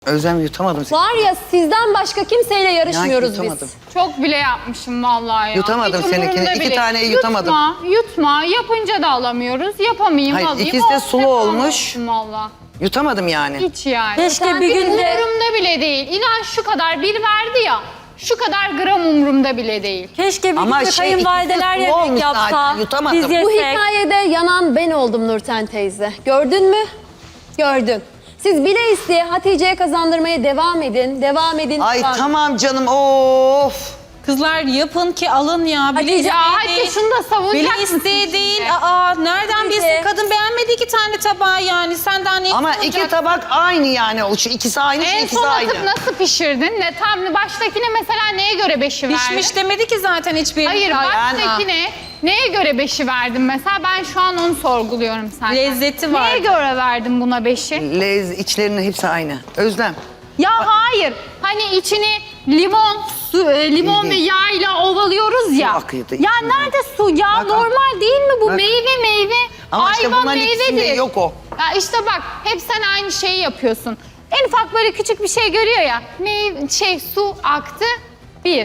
Özlem yutamadım seni. Var ya sizden başka kimseyle yarışmıyoruz yutamadım. biz. Çok bile yapmışım vallahi ya. Yutamadım Hiç seninkini. umurumda 2 bile. taneyi yutamadım. Yutma. Yapınca da alamıyoruz. Yapamayayım Hayır, alayım. ikisi de Olsun, sulu devam olmuş. olsun Vallahi. Yutamadım yani. Hiç yani. Keşke bir gün de... Umurumda bile değil. İnan şu kadar bir verdi ya. Şu kadar gram umurumda bile değil. Keşke bir Ama gün de şey, kayınvalideler ikisi sulu yemek olmuş yapsa. zaten, yutamadım. Biz yesek. Bu hikayede yanan ben oldum Nurten teyze. Gördün mü? Gördün. Siz bile isteye Hatice'ye kazandırmaya devam edin. Devam edin. Ay devam edin. tamam canım of. Kızlar yapın ki alın ya. Bile Hatice, isteği hadi değil. şunu da savunacak Bile mısın isteği şimdi? değil. Nereden bilsin? Kadın beğenmedi 2 tane tabağı yani. Sen daha ne Ama istiyorsun? 2 tabak aynı yani. O şu ikisi aynı, şu En ikisi son aynı. atıp nasıl pişirdin? Ne tam baştakine mesela neye göre 5'i verdin? Pişmiş demedi ki zaten hiçbir. Hayır baştakine neye göre 5'i verdin mesela? Ben şu an onu sorguluyorum senden. Lezzeti var. Neye göre verdin buna 5'i? İçlerinin hepsi aynı. Özlem. Ya hayır. Hani içini limon ve Değil. yağ ile ovalıyoruz ya. Su akıyordu Ya içinden. nerede su? Ya Bak, normal değil mi bu? Bak. Meyve. Ama işte Ayva bunların ikisinde meyvedir. yok o. Ya işte bak hep sen aynı şeyi yapıyorsun. En ufak böyle küçük bir şey görüyor ya. Su aktı. 1.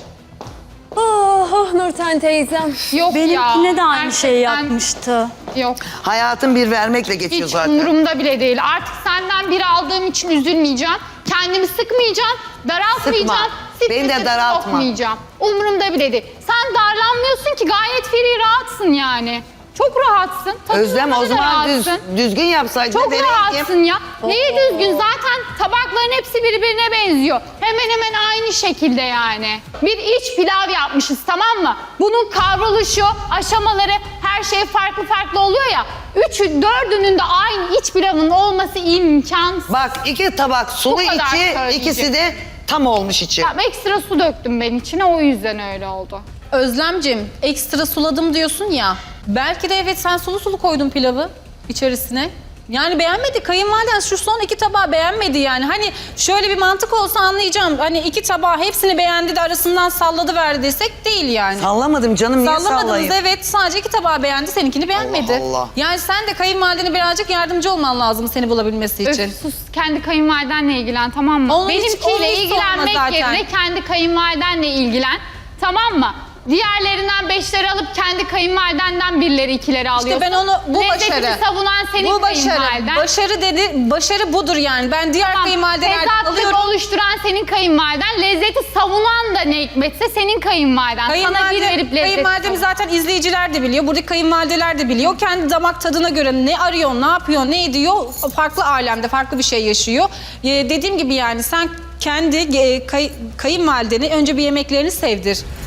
Oh Nurten teyzem. Yok ya. Benimkine de aynı şeyi gerçekten yapmıştı. Yok. Hayatın bir vermekle geçiyor Hiç zaten. umurumda bile değil. Artık senden bir aldığım için üzülmeyeceğim. Kendimi sıkmayacağım, daraltmayacağım. Sıkma. Beni de strese daraltma. sokmayacağım. Umurumda bile değil. Sen darlanmıyorsun ki gayet free rahatsın yani. Çok rahatsın. Tadında Özlem da o zaman rahatsın. düzgün yapsaydın. Çok deneyim. rahatsın ya. Neyi düzgün? Zaten tabakların hepsi birbirine benziyor. Hemen hemen aynı şekilde yani. Bir iç pilav yapmışız tamam mı? Bunun kavruluşu, aşamaları her şey farklı oluyor ya. 4'ünün de aynı iç pilavın olması imkansız. Bak 2 tabak sulu Bu kadar içi, söyleyeceğim. ikisi de tam olmuş içi. Tamam, ekstra su döktüm ben içine o yüzden öyle oldu. Özlemcim ekstra suladım diyorsun ya. Belki de evet sen sulu koydun pilavı içerisine. Yani beğenmedi. Kayınvaliden şu son 2 tabağı beğenmedi yani. Hani şöyle bir mantık olsa anlayacağım. Hani 2 tabağı hepsini beğendi de arasından salladı verdi desek değil yani. Sallamadım canım, niye Sallamadınız sallayayım? evet. Sadece 2 tabağı beğendi, seninkini beğenmedi. Allah Allah. Yani sen de kayınvalidene birazcık yardımcı olman lazım seni bulabilmesi için. Öf, sus kendi kayınvalidenle ilgilen tamam mı? Onun hiç- onun Benimkiyle hiç ilgilenmek sorma zaten. yerine kendi kayınvalidenle ilgilen tamam mı? Diğerlerinden 5'leri alıp kendi kayınvalidenden 1'leri 2'leri alıyorsun. ben onu bu Lezzetini başarı. savunan senin Bu başarı. kayınvaliden. Başarı budur yani. Ben diğer kayınvalidelerden Tezatlık alıyorum. oluşturan senin kayınvaliden, lezzeti savunan da ne hikmetse senin kayınvaliden. Sana bir verip lezzeti Kayınvalidemi zaten izleyiciler de biliyor. Buradaki kayınvalideler de biliyor. Kendi damak tadına göre ne arıyor, ne yapıyor, ne ediyor. Farklı alemde, farklı bir şey yaşıyor. Dediğim gibi yani sen kendi kayınvalideni önce bir yemeklerini sevdir.